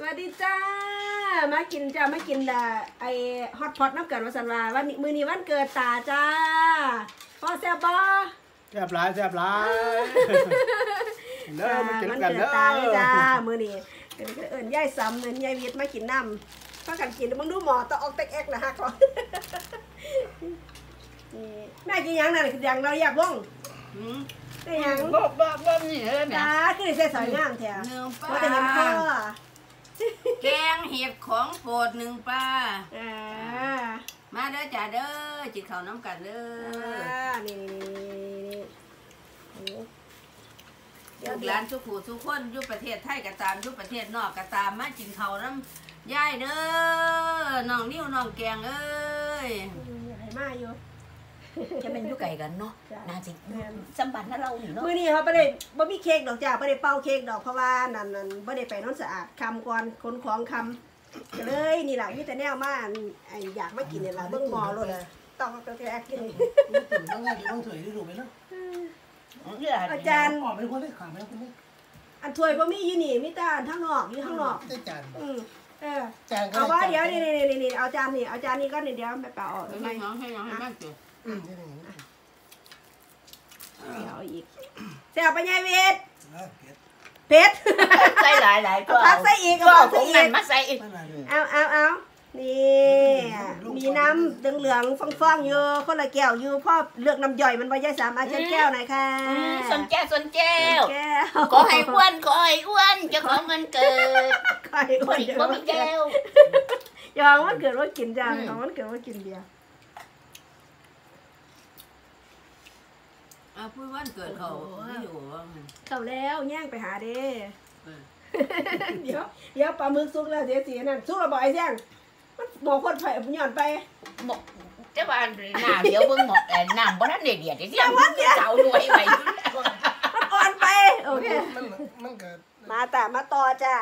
วัสดีจ้ามากินจ้ามากินไอฮอตพอตน้ำเกิดวันสันวาวันมือนี้วันเกิดตาจ้าพ่อแซ่บบ่แซ่บหลายเด้อมากินกันเด้อตาเลยจ้ามือนี้เอิญย่ายซ้ำเอิญย่ายวิทย์มากินน้ำพากันกินมึงดูหมอต้องออกเต็กเอ็กนะฮะก่อนแม่กินยังนั่นคือยังเราอยากว่องได้ยังบ่นี่เด้อแม่ตาคือได้สวยงามแท้ว่าแต่เห็นพ่อแกงเห็ดของโปรดหนึ่งปลามาเด้อจ้าเด้อจิตเขาน้ำกันเด้อนี่ลูกหลานทุกผู้ทุกคนอยู่ประเทศไทยก็ตามอยู่ประเทศนอกก็ตามมากินเขาน้ำยายเด้อน้องนิ้วน้องแกงเอ้ยให้มาอยู่จะเป็นยุไก่กันเนาะน่าจิสัมบัตินะเราหนิเนาะมื้อนี้เขาไม่ได้บ่มีเค้กดอกจ้าไม่ได้เป่าเค้กดอกเพราะว่านั่นไม่ได้ไปนอนสะอาดคำก่อนขนของคำก็เลยนี่แหละมีแต่แนวมาอยากมากินเนี่ยละเบิ่งหมอเลยต้องตัวแรกกินต้องไงต้องถอยได้ดูไหมเนาะอาจารย์ออกเป็นคนได้ขาไม่คนได้อันถ้วยบ่มีอยู่นี่มีแต่ทั้งนอกอยู่ข้างนอกจานเอาว่าเดี๋ยวนี่เอาจานนี่ก็เดี๋ยวไปเป่าออกไม่น้องให้น้องให้บ้านเจอเดี๋ยวอีกเสียบไปไงเวทเพชรใส่หลายก็พักใส่อีกก็ผงนั่นมาใส่อีกเอานี่มีน้ำเหลืองๆฟ่องๆอยู่คนละแก้วอยู่พ่อเลือกน้ำย่อยมันไว้ย่อยสามอาจารย์แก้วหน่อยค่ะสนแก้วขอให้อ้วนจะขอเงินเกิดขอให้อ้วนบ่มีแก้วยอมมันเกิดว่ากินจ้าของมันเกิดว่ากินเบียร์พูดวันเกิดเขาไม่อยู่เขาแล้วแย่งไปหาเด้เดี๋ยวปลาหมึกซุกแล้วเดี๋ยวสีนั่นซุกแล้วบ่อยแย่งมันบอกคนไผ่หย่อนไปบอกเจ้าบ้านหน้าเดี๋ยวเบิ่งหมดน้ำบ่ทันได้เดือดเดี๋ยวเจ้าด้วยไว้มันอ่อนไปโอเคมันเกิดมาต่อจ้า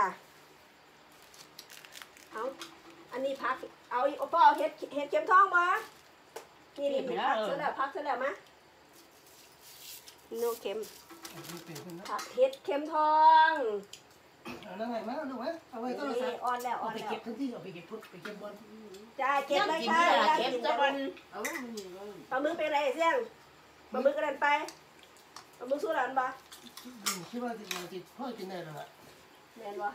เอาอันนี้พักเอาพ่อเฮ็ดเข็มทองบ่นี่พักเสร็จแล้วมะโนเข็มผักเห็ดเข็มทองแล้วไงมาดูไหมเอาไว้ก็เลยอ่อนแล้วไปเก็บทั้งที่เอาไปเก็บพุทไปเก็บบอลจ้าเก็บเลยค่ะเก็บตะวันปลาหมึกเป็นอะไรเสี่ยงปลาหมึกกระเด็นไปปลาหมึกสู้หลานปะคิดว่าจิตพ่อกินได้หรอแม่นวะ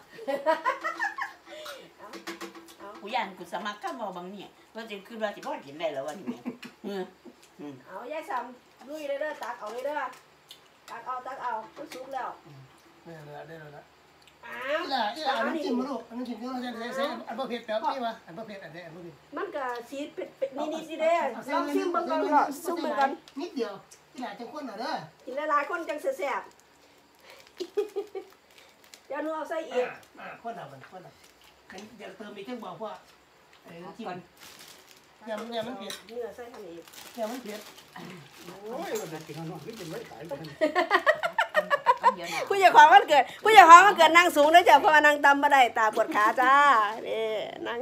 กูยันกูสมัครข้าวบางเนี่ยว่าจะคือว่าจะพ่อกินได้แล้ววันนี้เอายายซ้ำลุยเลยเด้อตักเอาเลยเด้อตักเอามันสุกแล้วได้แล้วน้ำจิ้มมาลูกน้ำจิ้มที่เราจะใช้อันเบอร์เผ็ดแบบนี้วะอันเบอร์เผ็ดอันนี้มันก็สีเผ็ดนี่สิเด้ลองชิมเบิ่งก่อนก็ซุปเบิ่งกันนิดเดียวที่ไหนจังคนหน่อยเด้อกินหลายๆคนจังแซ่บเดี๋ยวหนูเอาใส่อีกคนเอาเดี๋ยวเติมอีกจังบอกว่าน้ำจิ้มเนี่ยมันเผ็ดเนื้อใส่ทำอีกเนี่ยมันเผ็ดโอ้ยมันจะกินข้าวหน่อยกินไม่ได้ผู้ใหญ่ความมันเกิดนั่งสูงด้วยจ้ะเพราะว่านั่งต่ำมาได้ตาปวดขาจ้านี่นั่ง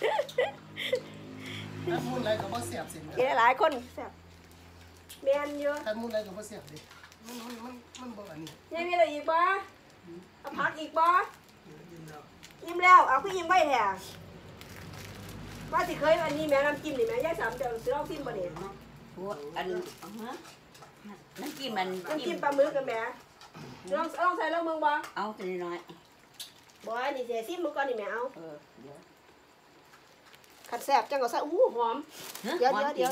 มูนไรก็บ่เสียบสิกินหลายคนเสียบเมียนเยอะมูนไรก็บ่เสียบดิมันบ่อันนี้ยังมีอะไรอีกบ่เอาพักอีกบ่ยิ้มแล้วเอาพี่ยิ้มไว้แท้ว่าสิเคยอันนี้แม่น้ำจิ้มนี่แม่ยายสามเดี๋ยวซื้อเอาจิ้มบ่เนี่ยอันน้ำจิ้มมันน้ำจิ้มปลาหมึกกันแม่ลองใส่แล้วมึงบ่เอาตัวน้อยบ่นี่เสียซิมมึงก่อนนี่แม่เอาขัดแซ่บจังก็ใส่หอมเดี๋ยวเอานี่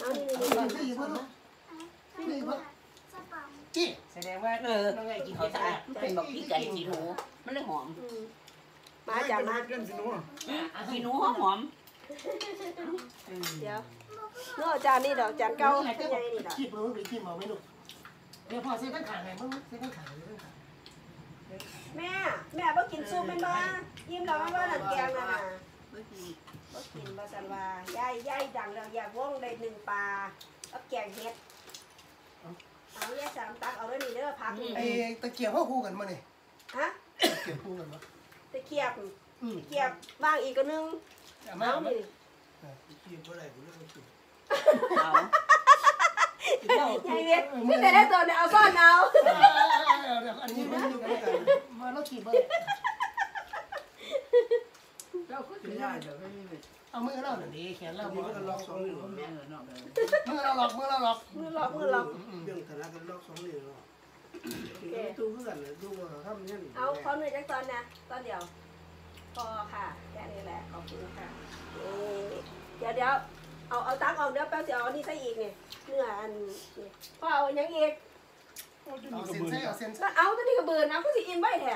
จี้แสดงว่าน้องไงกินเขาสะอาดเป็นบอกพี่ไก่สีหนูมันเลยหอมมาจ้ะมาสีหนูหอมเดี๋ยวเนาะจานนี่ดอกจานเก่าเป็นไงนี่ดอกขี้ปลาหมึกขี้หมูไม่รู้เดี๋ยวพอเส้นข้างขาไงมึงเส้นข้างขาแม่บ่กินซุปแม่นบ่ยิ้มแล้วว่านั่นแกงนั่นน่ะบ่กินบ่ซั่นว่ายายดังแล้วอยากว่องได้1ปลาเอาแกงเห็ดเอายาย3ตักเอาเด้อนี่เด้อผักไอ้ตะเกียบเฮาคู่กันบ่นี่ฮะตะเกียบคู่กันบ่ตะเกียบบ้างอีกก็นึงเอานี่เกียบบ่ได้บ่ได้กินเอายายเวียนพี่แต่ได้ตัวเนี่ยเอาซ่อนเอาอันนี้มันอยู่กันมาแล้วขี่เบอร์ไม่ได้เดี๋ยวไม่มีเอามือเราหน่อยดิแขนเรานี่ก็ล็อก2นิ้วแม่เนอกเลยมือเราล็อกมือล็อกเรื่องฐานะกันล็อก2นิ้วเนาะตู้เพื่อนเลยตู้ว่าทำเนี่ยเอาขอหน่อยจักตอนนะตอนเดียวพอค่ะแค่นี้แหละขอบคุณค่ะเดี๋ยวเอาตักออกเดี๋ยวแป๊บเดียวเอานี่ใส่อีกนี่เนื้ออันนี่พอเอาอย่างอีกเอาเส้นใส่เอาเส้นแล้วเอาตัวนี้ก็เบิร์นนะก็สิอินไว้แท้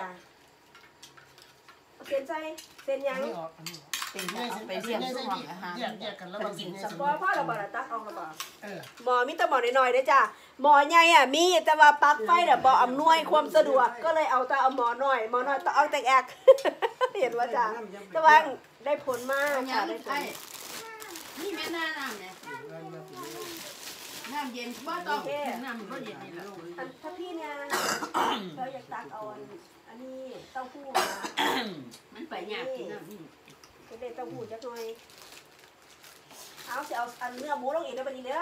เอาเส้นใส่เส้นยังนี่ออกอันนี้เป็นไปเรียกซุ่มอาหารแยกกันแล้วบางสิ่งสปอพ่อเราบอกตักออกเราบอกเออหมอมีแต่หมอน้อยๆเด้อจ้ะหมอใหญ่อ่ะมีแต่ว่าปลั๊กไฟน่ะบ่อำนวยความสะดวกก็เลยเอาแต่เอาหมอน้อยต้องเอาแต่แอก เห็นว่าจ้ะแต่ว่าได้ผลมากเอาค่ะย่างได้ผไอ้ลนี่แม่น้ำเนี่ยน้ำเย็นบ่ต้องน้ำบ่เย็นนี่แหละอันถ้าพี่เนี่ยเราอยากตักเอาอันนี้เต้าหู้นะมันไปยากกินน้ำจะได้เต้าหู้จักหน่อยเอาสิเอาอันเนื้อหมูลงอีกนะบัดนี้เด้อ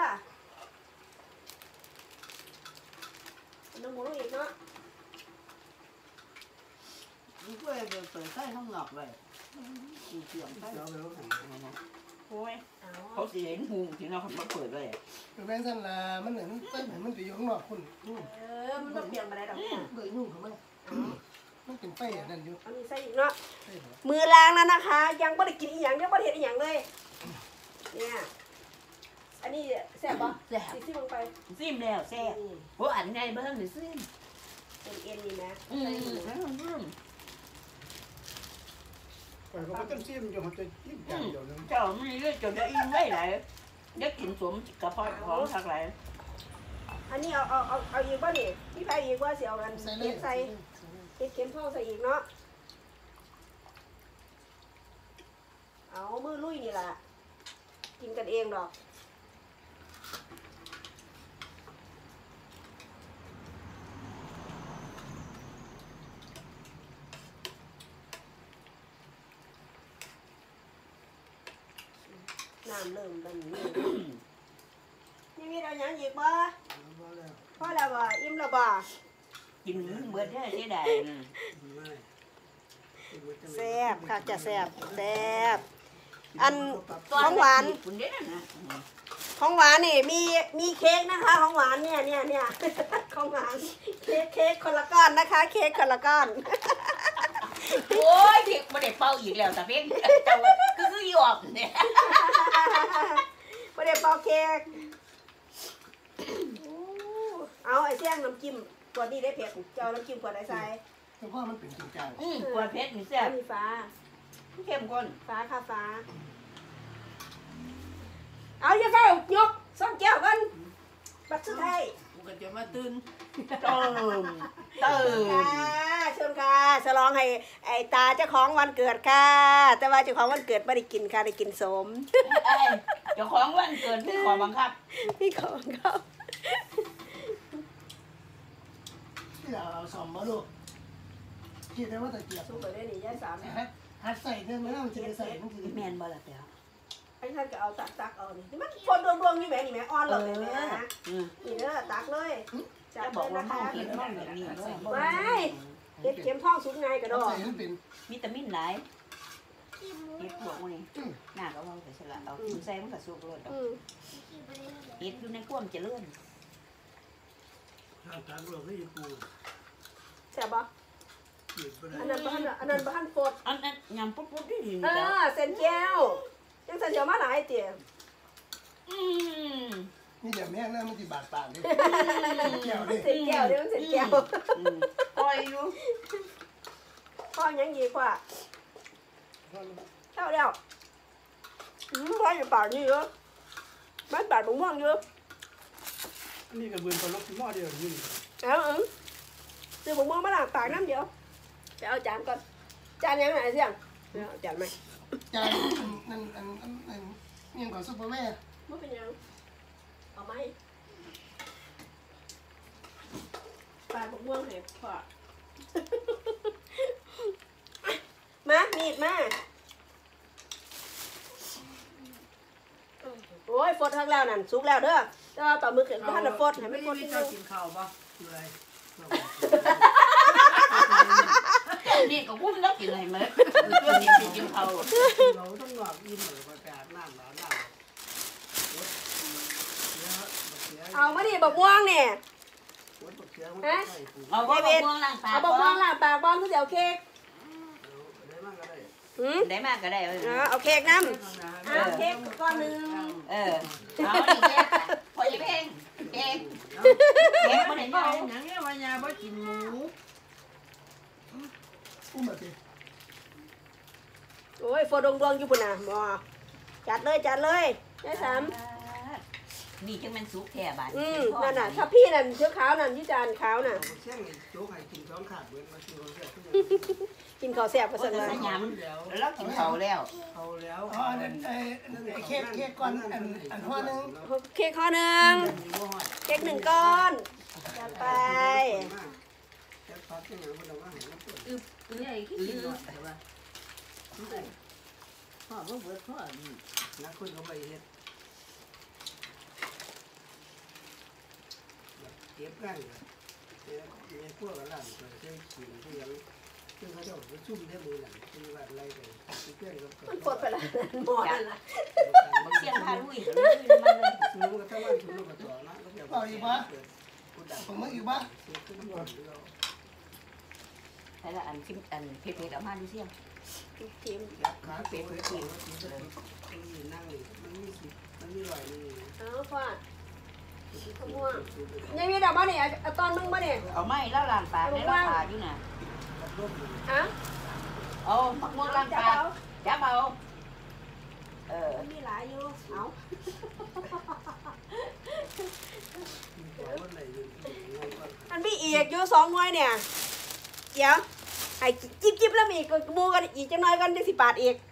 เนื้อหมูลงอีกเนาะนี่ก็เลยเปิดไส้ข้างนอกเลยเสียงไส้เราไปรู้หันโอ้ยเอาเขาสิเห็นหูที่เรามาเปิดเลยแม่งสั่นละมันเหมือนมันไปอยู่ข้างนอกคุณมันต้องเปลี่ยนมาได้ดอกเนี่ยเบยยุ่งเขาไหมมันเป็นไฟนั่นอยู่เอานี่ใส่อีกเนาะมือล้างแล้วนะคะ ยังไม่ได้กินอีหยังยังไม่ได้เห็นอีหยังเลยเนี่ยอันนี้แซ่บปะแซ่บซิมลงไปซิมแล้วแซ่บนี่โอ้อันไงเบิ่งนี่ซิมเป็นเอ็นนี่นะอืใส่หมูเขาก็ต้องซิมอยู่เขาจะจิ้มจานเดียวนึงเจ้ามันเลือดจนได้อิ่มไว้หลายได้กินสมกระเพาะของทักหลายอันนี้เอาอีกป่ะนี่พี่แพ้อีกว่าเสียเอากันใส่เลเก็ยบใส่เก็บเข็มทองใส่อีกเนาะเอามือลุยนี่แหละกินกันเองดอกน้ำเริ่มเป็นนี่นี่มีอะไรอย่างอีกบ่พ่อแล้วบ่อิ่มแล้วบ่กินเบิดได้ได้แซ่บค่ะจะแซ่บแซ่บอันของหวานคุณเด้นะของหวานนี่มีเค้กนะคะของหวานเนี่ย ของหวานเค้กคนละก้อนนะคะ เค้กคนละก้อนโอ้ยที่บ่ได้เป่าอีกแล้วแต่เพียงเจ้าคือหยอกเนี่ยไม่ได้เป่าเค้กเอาไอ้เสี่ยงน้ำจิ้มขวดนี้ได้เผ็ดเจ้าน้ำจิ้มขวดไอ้ใส่แต่ว่ามันเป็นจริงจังปวดเพชรนี่แซ่บมีฟ้าเข้มข้นฟ้าค่ะฟ้าเอาอย่าเฝ้ายกซ่อมแก้วกันบัตรสุดท้ายกูก็จะมาตื่นเติมเติมค่ะเชิญค่ะฉลองให้ไอ้ตาเจ้าของวันเกิดค่ะ แต่ว่าเจ้าของวันเกิดไม่ได้กินค่ะได้กินสมเจ้าของวันเกิดที่ขอบังคับพี่ของเขาที่เราเอาสอมมาลูกคิดได้ว่าตะเกียบสู้ไปได้หนิย่าสามหัดใส่เนี่ยมันจะใส่มันคือแมนบ่ล่ะเดี๋ยวไอ้ท่านก็เอาตักเอานี่มันคนดวงๆนี่แหมนี่แหมอ่อนเลยแหมนี่เด้อตักเลยจัจะดบอกเลยว่านะเมาคะกินมันแบบนี้ด้วยไม่เก็บเข็มท้องสุกไงกระดอใส่มันเป็นวิตามินหลายเฮ็ดพวกนี้หน้าก็ว่าไปสละเอากินใส่มันก็สุกเลยดอกเฮ็ดอยู่ในความเจริญทางการเราไม่ปูแซ่บปะหยุดไปได้อันนั้นบ้านโฟดอันนั้นยำปุ๊บๆดีเส้นแก้วยังเส้นเดียวมาหลายเตี๋ยนี่เดี๋ยวแม่งน่ามันจะบาดปากเลยแก้วดิเส้นแก้วเดี๋ยวมันเส้นแก้วปล่อยอยู่พ่อยังดีกว่าเท่าเดียวพ่ออยู่ปากนี่เยอะบ้านปากบุ้งม่วงเยอะอันนี้กับเบือนปลาล็อกที่หม้อเดียวนี่เอาซื้อบุ้งม่วงมาล้างปากน้ำเดียวไปเอาจานก่อนจานยังไงเสี่ยงเอาจานไหมจานนั่นยังก่อนซุปเปอร์แม่ไม่เป็นยังเอาไหมปากบุ้งม่วงให้พ่อมามีดมาโอ้ยฟดทั้งแล้วนั่นสุกแล้วเด้อแต่ว่าต่อมือเกิดบ้านน่ะฟดให้ไม่ฟดนิดนึงกินข้าวป่ะอะไรเนี่ก็วุ่นแล้วกินอะไรมาตัวนี้กินเขาเราต้องหลอกยิ้มเลยประกาศน้ำหลาน้ำเอามาดิบักม่วงเนี่ยเอาบ่ม่วงล้างปากเอาบักม่วงล่ะปากบ้องคือสิเอาเค้กได้มากก็ได้เอาเค้กน้ำเอาเค้กก้อนนึงเอาดิแกพอจะเพลงแกบ่ได้เมาหนังเนี่ยว่ายาบ่กินหมูอุ้มแบบนี้โอ้ยโฟดงอยู่ปุ่นน่ะหมอจัดเลยยายสามนี่จังมันสุกแท้บาดนั่นน่ะถ้าพี่นั่นเชื้อขาวนั่นที่จานขาวน่ะเชี่ยงโจ๊กให้กินสองขาดเว้นมากินคนเดียวกินข้าวแซ่บก็ก็สั่นจะว่าสยามแล้วกินเขาแล้วเอาแล้วอ๋อเค้กก่อนอันหัวนึงเค้กข้อนึงเค้ก1ก้อนจัดไปจะพักยังไงคนเราว่าเห็นแล้วปวดใหญ่ขึ้นเนาะแต่ว่าพ่อบ่เบิดพ่อนักคุณเขาไปเฮ็ดเก็บง่ายเลยเนี่ยพวกอะไรก็ใช้ขิงที่ยังซึ่งเขาจะไปซุ่มได้มือหลังคือว่าอะไรกันเพื่อนก็มันปวดไปละหมอนั่นล่ะบ่เสียงพาลุยซื้อมันก็ทั้งวันซื้อมาต่อนะก็จะผมมึงอยู่บ้าซื้อขึ้นมาเราใช่ละอันคิมอันเพชรเอามาดูเสียงทีมขาเป๋เป๋เป๋นั่งมันมีรอยนี่เอาฟาดขม่วงยังมีดอกบ่นี่เอาตอนมึงบ่นี่เอาไม้แล้วล้างปากในราคาอยู่น่ะอ่ะเอาผักม่วงล้างปากจับเอามีหลายอยู่เอา มันมีอีกอยู่2 หน่วยเนี่ยเดี๋ยวให้จิ๊บแล้วมีอีกบูกันอีกจังน้อยกันจัง10 บาทอีก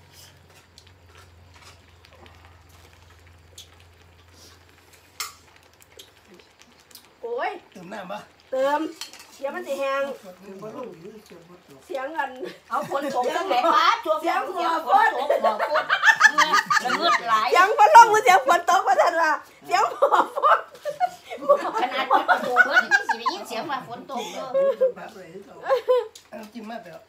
โอ้ยเติมน้ำปะเติมเดี๋ยวมันสิแห้งเสียงกันเอาฝนตกจังได๋ฟ้าช่วงเสียงฝนตกบ่ฝนระเงิดหลายเสียงฝนลงมือเสียงฝนตกว่าท่านว่าเสียงหมอฝนขนาดปิดประตูเบิดยังสิได้ยินเสียงว่าฝนตกเด้อจิ้มมากไปแล้ว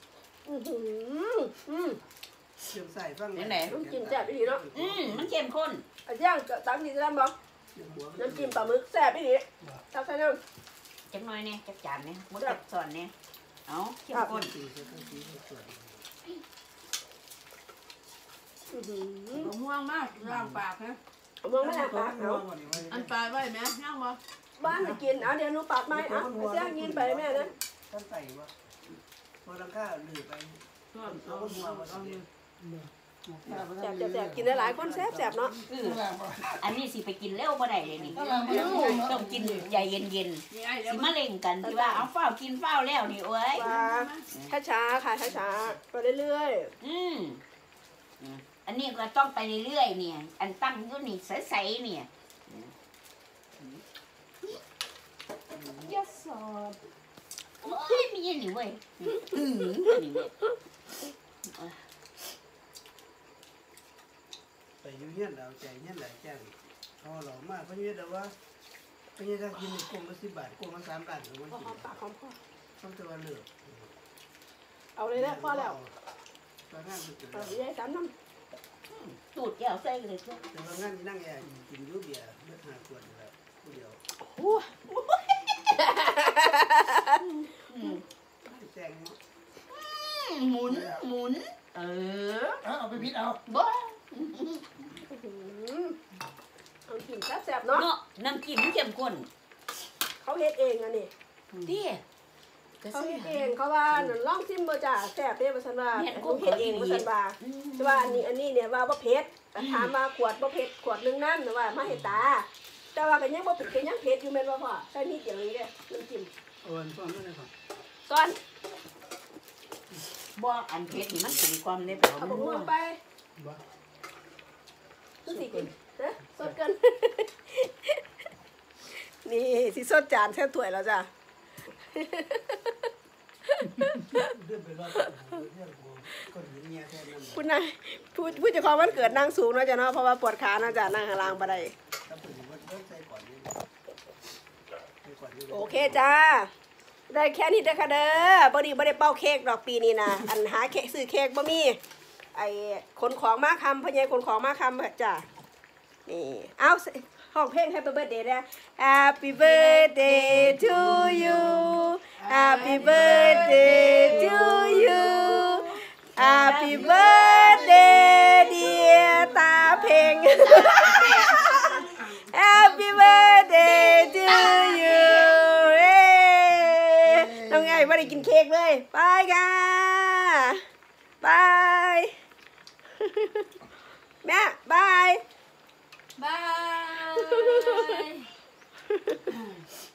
ใส่ฟังน้ำจิ้มแซ่บอีหลีเนาะมันเข้มข้นอันย่างตักดีจะบอกน้ำจิ้มปลาหมึกแซ่บอีหลีตักใส่น้ำจังน้อยเนี่ยจักจานเนี่ยบ่จักสอนเนี่ยเอาเข้มข้นม่วงมากล้างปากนะมองไม่ได้ปากเอาอันปลาไว้แม่ย่างบ่บ้านจะกินเอาเดี๋ยวหนูปาดไม้อ่ะเสียกินไปแม่นะท่านใส่ว่าพอรังข้าหลือไปส่วนเอาหัวบ่ต้องแซ่บกินได้หลายคนแซ่บเนาะอันนี้สิไปกินเร็วบ่ได้เลยนี่ต้องกินใจเย็นนี่ไอ้ๆเดี๋ยวสิมาเล่งกันที่ว่าเอาเฝ้ากินเฝ้าแล้วนี่โอ้ยว่าช้าๆค่ะช้าๆไปเรื่อยอันนี้ก็ต้องไปเรื่อยๆเนี่ยอันตั้งอยู่นี่ใสๆเนี่ยยะสอบโอ้ยมีอันนี้เว้ยนี่เว้ยไปยุ่งเงี้ยเราใจเงี้ยหลายแจ้งพอหล่อมากเพราะเงี้ยแต่ว่าเพราะเงี้ยถ้ากินกลมละ10 บาทกลมละ3 บาทมันๆกินหอมปากหอมคอต้องตัวเลือกเอาเลยนะพอแล้วตอนนั้นคือเอาได้สามน้ตูดแก้วใส่เลยทุกแต่ว่างานที่นั่งแอร์กินยูเบียร์เลือกหาขวดแล้วผู้เดียวำโอ้แจ้งหมุนเอาไปพิษเอาบ่เอากินแซ่บๆเนาะเนาะน้ำจิ้มเข้มข้นเขาเฮ็ดเองอ่ะนี่เด้เขาเฮ็ดเองเขาว่าลองชิมบ่จ้าแซ่บเด้บ่ซั่นว่าเฮ็ดเองบ่ซั่นว่าแต่ว่าอันนี้เนี่ยว่าบ่เผ็ดแต่ถามว่าขวดบ่เผ็ดขวดนึงน้ำแต่ว่ามาเฮ็ดตาแต่ว่าก็ยังบ่เผ็ดก็ยังเผ็ดอยู่แม่นบ่พ่อใส่นิดเดียวนี้เด้น้ำจิ้มโอนฟ้องไม่ได้ครับซ้อนบ่อันเผ็ดนี่มันเป็นความในเปล่าเอามันบ่นัวม่วงไปคือสิกินฮะสดกัน นี่สิสดจานแซ่บถ้วยแล้วจ้ะเรื่องไปรอดเรื่องคนหญิงเมียแทนนั่นคุณนายผู้เจ้าของวันเกิดนั่งสูงเนาะจ้ะเนาะเพราะว่าปวดขาเนาะจ้ะนั่งข้างล่างบ่ได้ถ้าผู้หญิงมันต้องใส่ก่อนนี่ใส่ก่อนนี่โอเคจ้าได้แค่นี้เด้อค่ะเด้อบ่ได้เป่าเค้กดอกปีนี้นะ อันหาเค้กซื้อเค้กบ่มีไอ้ขนของมาคำพ่อใหญ่ขนของมาคำจ้ะนี่เอาห้องเพลง Happy Birthday นะ Happy Birthday to you Happy Birthday to you Happy Birthday dear ตาเพลง Happy Birthday to you น้องไงไม่ได้กินเค้กเลยบายค่ะบายแม่บายบาย